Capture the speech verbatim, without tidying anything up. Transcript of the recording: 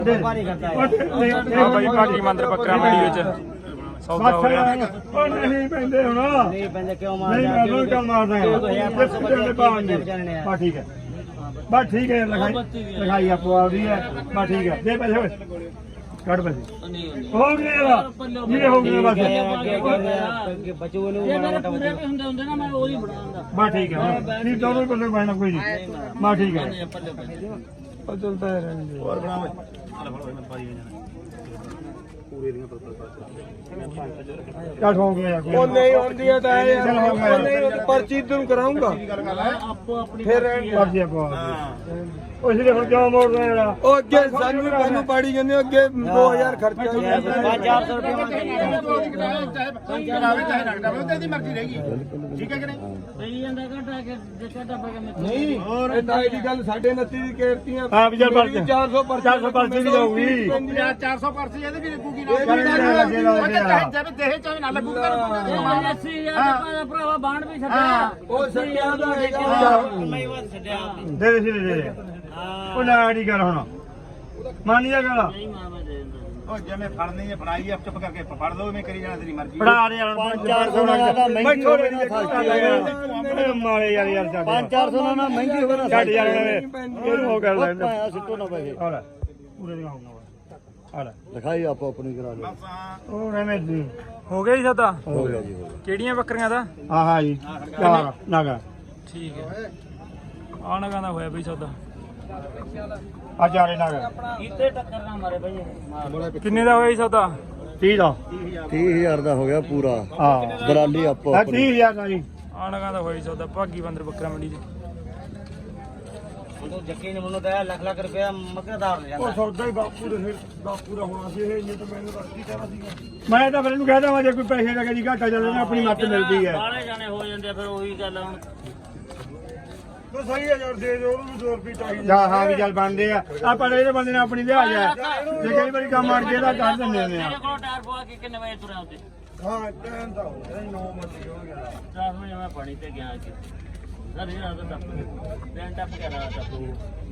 ਬਾਈ ਭਾਗੀ ਮੰਦਰ ਬੱਕਰਾ ਮੰਡੀ ਵਿੱਚ ਸੌਦਾ ਹੋ ਰਿਹਾ। ਉਹ ਨਹੀਂ ਪੈਂਦੇ ਹੁਣ ਨਹੀਂ ਪੈਂਦੇ ਕਿਉਂ ਮਾਰ ਨਹੀਂ ਮੈਂ ਉਹਨੂੰ ਕਿਉਂ ਮਾਰਦਾ ਹਾਂ ਬਸ ਠੀਕ ਹੈ ਬਸ ਠੀਕ ਹੈ ਲਿਖਾਈ ਲਿਖਾਈ ਆਪੋ ਆਪਦੀ ਹੈ ਬਸ ਠੀਕ ਹੈ ਦੇ ਪੈਸੇ ਹੋਏ ਕੱਢ ਪੈਸੇ ਹੋ ਗਏ ਯਾਰ ਇਹ ਹੋ ਗਏ ਬਸ ਬਚੂ ਨੂੰ ਪੂਰੇ ਵੀ ਹੁੰਦੇ ਹੁੰਦੇ ਨਾ ਮੈਂ ਉਹ ਹੀ ਬਣਾਉਂਦਾ ਬਸ ਠੀਕ ਹੈ ਨਹੀਂ ਦੋਨੋਂ ਪੱਲੇ ਪੈਣਾ ਕੋਈ ਨਹੀਂ ਬਸ ਠੀਕ ਹੈ ਉਹ ਚਲਦਾ ਰਹਿਣ ਹੋਰ ਬਣਾਵੇ ਚੱਲ ਹੋ ਗਿਆ ਯਾਰ ਉਹ ਨਹੀਂ ਹੁੰਦੀਆਂ ਤਾਂ ਉਹ ਨਹੀਂ ਪਰਚੀ ਤੈਨੂੰ ਕਰਾਉਂਗਾ ਫਿਰ ਪਰਚੀ ਆਪੋ ਉਹ ਇਸੇ ਹੁਣ ਕਿਉਂ ਮੋੜ ਰਿਹਾ ਜਿਹੜਾ ਉਹ ਅੱਗੇ ਸਾਨੂੰ ਮੈਨੂੰ ਪਾੜੀ ਜਾਂਦੇ ਅੱਗੇ ਦੋ ਹਜ਼ਾਰ ਖਰਚਾ ਹੋ ਗਿਆ ਪੰਜ ਚਾਰ ਸੌ ਰੁਪਏ ਤੇਰੀ ਮਰਜ਼ੀ ਰਹੇਗੀ ਠੀਕ ਹੈ ਕਿ ਨਹੀਂ ਸਹੀ ਜਾਂਦਾ ਘਟਾ ਕੇ ਘਟਾ ਪਾ ਕੇ ਨਹੀਂ ਹੋਰ ਇਹ ਤਾਂ ਇਹਦੀ ਗੱਲ ਸਾਡੇ ਉਨੱਤੀ ਦੀ ਕੇਰਤੀਆਂ ਹਾਂ ਵੀ ਚੱਲ ਪਰਚੀ ਚਾਰ ਸੌ ਪਰਚੀ ਚਾਰ ਸੌ ਪਰਚੀ ਵੀ ਜਾਊਗੀ ਚਾਰ ਸੌ ਪਰਚੀ ਇਹਦੇ ਵੀ ਲੱਗੂਗੀ ਨਾ ਦੇਹੇ ਚਾਹੇ ਨਾ ਲੱਗੂਗੀ ਅੱਸੀ ਹਜ਼ਾਰ ਦਾ ਭਰਾਵਾ ਬਾਣ ਵੀ ਛੱਡਿਆ ਉਹ ਸੱਟਿਆ ਦਾ ਦੇ ਦੇ ਦੇ ਦੇ ਉਹ ਨਾ ਨਹੀਂ ਕਰ ਹੁਣ ਮੰਨ ਜਾ ਗੱਲ ਉਹ ਜਿਵੇਂ ਫੜਨੀ ਹੈ ਫੜਾਈ ਆ ਚੁੱਪ ਕਰਕੇ ਫੜ ਲਓ ਮੈਂ ਕਰੀ ਜਾਣਾ ਤੇਰੀ ਮਰਜ਼ੀ ਫੜਾ ਦੇ ਯਾਰ ਪੰਜ ਚਾਰ ਸੌ ਦਾ ਮਹਿੰਗੀ ਹੋਵੇ ਨਾ ਮਾਰੇ ਯਾਰ ਯਾਰ ਛੱਡ ਪੰਜ ਚਾਰ ਸੌ ਨਾਲ ਮਹਿੰਗੀ ਹੋਵੇ ਨਾ ਛੱਡ ਯਾਰ ਇਹਨੂੰ ਹੋ ਕਰ ਲੈ ਪਾਇਆ ਸਿੱਟੋ ਨਾ ਪੈਸੇ ਆ ਲੈ ਪੂਰੇ ਦੀ ਆਉਂਗਾ ਆ ਲੈ ਲਿਖਾਈ ਆਪੋ ਆਪਣੀ ਕਰਾ ਲਓ ਉਹ ਰਹਿਮੇ ਦੀ ਹੋ ਗਿਆ ਜੀ ਸੌਦਾ ਹੋ ਗਿਆ ਜੀ ਕਿਹੜੀਆਂ ਬੱਕਰੀਆਂ ਦਾ ਹਾਂ ਹਾਂ ਜੀ ਚਾਰ ਨਾਗਾ ਠੀਕ ਹੈ ਆ ਨਗਾਂ ਦਾ ਹੋਇਆ ਬਈ ਸੌਦਾ ਆ ਚਾਰੇ ਨਾਗਾ ਕਿਤੇ ਟੱਕਰ ਨਾ ਮਾਰੇ ਭਾਈ ਕਿੰਨੇ ਦਾ ਹੋਇਆ ਜੀ ਸੌਦਾ ਤੀਹ ਦਾ ਤੀਹ ਹਜ਼ਾਰ ਦਾ ਹੋ ਗਿਆ ਪੂਰਾ ਹਾਂ ਦਲਾਲੀ ਆਪੋ ਆ ਤੀਹ ਹਜ਼ਾਰ ਦਾ ਜੀ ਆ ਨਗਾਂ ਦਾ ਹੋਇਆ ਜੀ ਸੌਦਾ ਭਾਗੀ ਬੰਦਰ ਬੱਕਰਾ ਮੰਡੀ ਚ ਉਹ ਜੱਕੀ ਨੇ ਮੈਨੂੰ ਤਾਂ ਲੱਖ ਲੱਖ ਰੁਪਇਆ ਮੱਕਰਦਾਰ ਲੈ ਜਾਂਦਾ ਉਹ ਸੌਦਾ ਹੀ ਬਾਪੂ ਦੇ ਫਿਰ ਬਾਪੂ ਦਾ ਹੋਣਾ ਸੀ ਇਹ ਤਾਂ ਮੈਨੂੰ ਦੱਸ ਕੀ ਕਹਿਣਾ ਸੀਗਾ ਮੈਂ ਤਾਂ ਫਿਰ ਇਹਨੂੰ ਕਹਿਦਾ ਵਾ ਜੇ ਕੋਈ ਪੈਸੇ ਲੱਗੇ ਜੀ ਘਾਟਾ ਚੱਲੇ ਨਾ ਆਪਣੀ ਮੱਤ ਮਿਲਦੀ ਹੈ ਬਾਹਲੇ ਜਾਣੇ ਹੋ ਜਾਂਦੇ ਫਿਰ ਉਹੀ ਗੱਲ ਹੁਣ ਉਹ ਸਹੀ ਹਜ਼ਾਰ ਦੇ ਦਿਓ ਉਹਨੂੰ ਦੋ ਰੁਪਏ ਚਾਹੀਦੇ ਹਾਂ ਹਾਂ ਵੀ ਚੱਲ ਬਣਦੇ ਆ ਆਪਾਂ ਇਹਦੇ ਬੰਦੇ ਨੇ ਆਪਣੀ ਲਿਆ ਜਾ ਜੇ ਕਈ ਵਾਰੀ ਕੰਮ ਅੜ ਗਿਆ ਤਾਂ ਕਰ ਦਿੰਦੇ ਨੇ ਆ ਮੇਰੇ ਕੋਲ ਟਾਇਰ ਪਵਾ ਕੇ ਕਿੰਨੇ ਵਜੇ ਤੁਰਿਆ ਉੱਤੇ ਹਾਂ ਟਾਈਮ ਤਾਂ ਹੋ ਗਿਆ ਨੌ ਵਜੇ ਹੋ ਗਿਆ ਚਾਰ ਵਜੇ ਮੈਂ ਪਾਣੀ ਤੇ ਗਿਆ ਕਿ ਸਰ ਇਹ ਰਾਤ ਟੱਪ ਟ੍ਰੇਨ ਟੱਪ ਗਿਆ ਰਾਤ ਟੱਪ